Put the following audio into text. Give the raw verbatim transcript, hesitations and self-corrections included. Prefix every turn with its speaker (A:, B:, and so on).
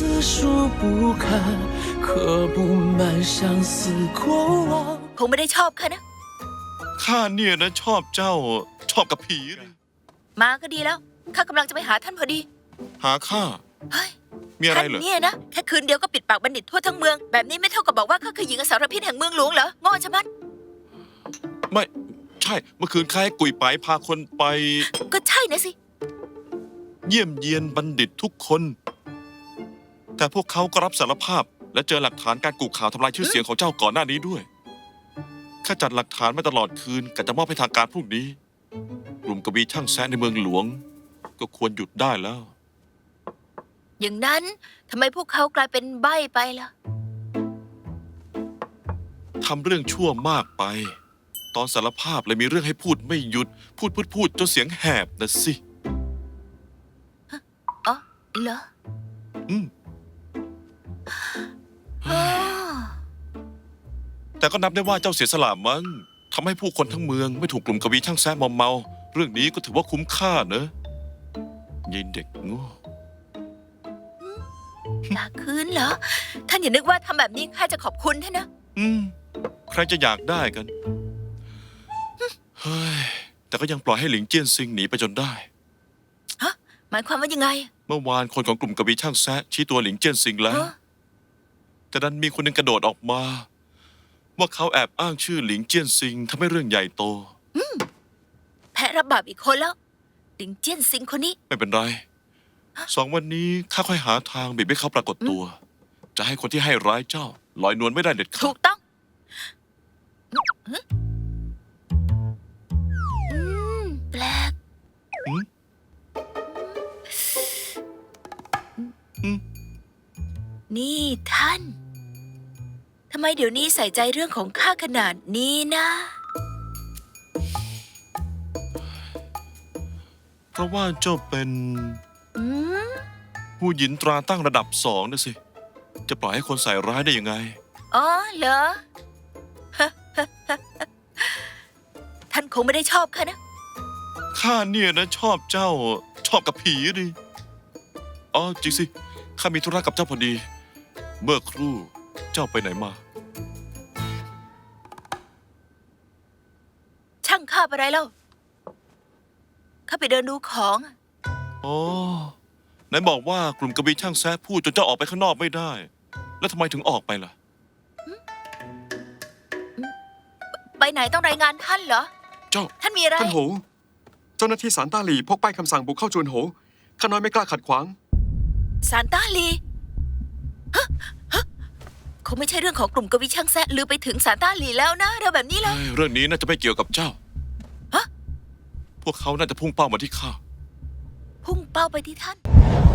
A: 字数不堪，刻不满相思过往。
B: คงไม่ได้ชอบค่ะนะ
C: ข้าเนี่ยนะชอบเจ้าชอบกับผีนะ
B: มาก็ดีแล้วข้ากำลังจะไปหาท่านพอดี
C: หาข้า
B: เฮ้ย
C: มีอะไร
B: ท่าน
C: เหรอ
B: เนี่ยนะแค่คืนเดียวก็ปิดปากบัณฑิตทั่วทั้งเมืองแบบนี้ไม่เท่ากับบอกว่าข้าคือหญิงอสรพิษแห่งเมืองหลวงเหรอโง่ชะมัด
C: ไม่ใช่เมื่อคืนข้าให้กุยไปพาคนไป
B: ก็ใช่นะสิ
C: เยี่ยมเยียนบัณฑิตทุกคน แต่พวกเขาก็รับสารภาพและเจอหลักฐานการกูข่าวทำลายชื่อเสียงของเจ้าก่อนหน้านี้ด้วยข้าจัดหลักฐานมาตลอดคืนกะจะมอบให้ทางการพรุ่งนี้ กลุ่มกบีช่างแซะในเมืองหลวง ก็ควรหยุดได้แล้ว
B: อย่างนั้นทำไมพวกเขากลายเป็นใบ้ไปล่ะ
C: ทำเรื่องชั่วมากไป ตอนสารภาพเลยมีเรื่องให้พูดไม่หยุด พูดพูดพูดจนเสียงแหบนะสิ
B: อ๋อเหรอ
C: อืม
B: อ๋อ
C: แต่ก็นับได้ว่าเจ้าเสียสละมั้งทำให้ผู้คนทั้งเมืองไม่ถูกกลุ่มกบีช่างแซะมอมเมา เรื่องนี้ก็ถือว่าคุ้มค่าเนอะยินเด็กโง่
B: อยากคืนเหรอ ท่านอย่านึกว่าทำแบบนี้ข้าจะขอบคุณท่านนะ
C: อืม ใครจะอยากได้กัน เฮ้ย แต่ก็ยังปล่อยให้หลิงเจี้ยนซิงหนีไปจนได้
B: ฮะ หมายความว่ายังไง
C: เมื่อวานคนของกลุ่มกบีช่างแซะชี้ตัวหลิงเจี้ยนซิงแล้ว
B: ฮะ
C: แต่ดันมีคนหนึ่งกระโดดออกมา ว่าเขาแอบอ้างชื่อหลิงเจี้ยนซิงทำให้เรื่องใหญ่โต
B: แพ้รับบาปอีกคนแล้วดิงเจี้ยนซิงคนนี้
C: ไม่เป็นไร สองวันนี้ข้าค่อยหาทางบีบให้เขาปรากฏตัว จะให้คนที่ให้ร้ายเจ้า ลอยนวลไม่ได้เด็ดขา
B: ถู
C: ด
B: กต้องอืมแปลก
C: อืมอืม
B: นี่ท่าน ทำไมเดี๋ยวนี้ใส่ใจเรื่องของข้าขนาดนี้นะ
C: เพราะว่าเจ้าเป็น
B: อืม
C: ผู้หญินตราตั้งระดับสองนะสิ จะปล่อยให้คนใส่ร้ายได้ยังไง
B: อ๋อเหรอ ท่านคงไม่ได้ชอบข้านะ
C: ข้าเนี่ยนะชอบเจ้าชอบกับผีดิ อ๋อจริงสิ ข้ามีธุระกับเจ้าพอดี เมื่อครู่เจ้าไปไหนมา
B: ช่างข้าอะไรเล่าข้าไปเดินดูของ
C: อ๋อ ไหนบอกว่ากลุ่มกบีช่างแซะพูดจนเจ้าออกไปข้างนอกไม่ได้ แล้วทำไมถึงออกไปล่ะ
B: ไปไหนต้องรายงานท่านเหรอ
D: เจ้า
B: ท่านมีอะไร
D: ท่านโห เจ้าหน้าที่สารต้าหลี่พกป้ายคำสั่งบุกเข้าจวนโห ข้าน้อยไม่กล้าขัดขวาง
B: ซานต้าลีฮะฮะคงไม่ใช่เรื่องของกลุ่มกวีช่างแซะลือไปถึงซานต้าลีแล้วนะเรื่องแบบนี้เลย
C: เอ้ยเรื่องนี้น่าจะไม่เกี่ยวกับเจ้า
B: ฮะ
C: พวกเขาน่าจะพุ่งเป้ามาที่ข้า
B: พุ่งเป้าไปที่ท่าน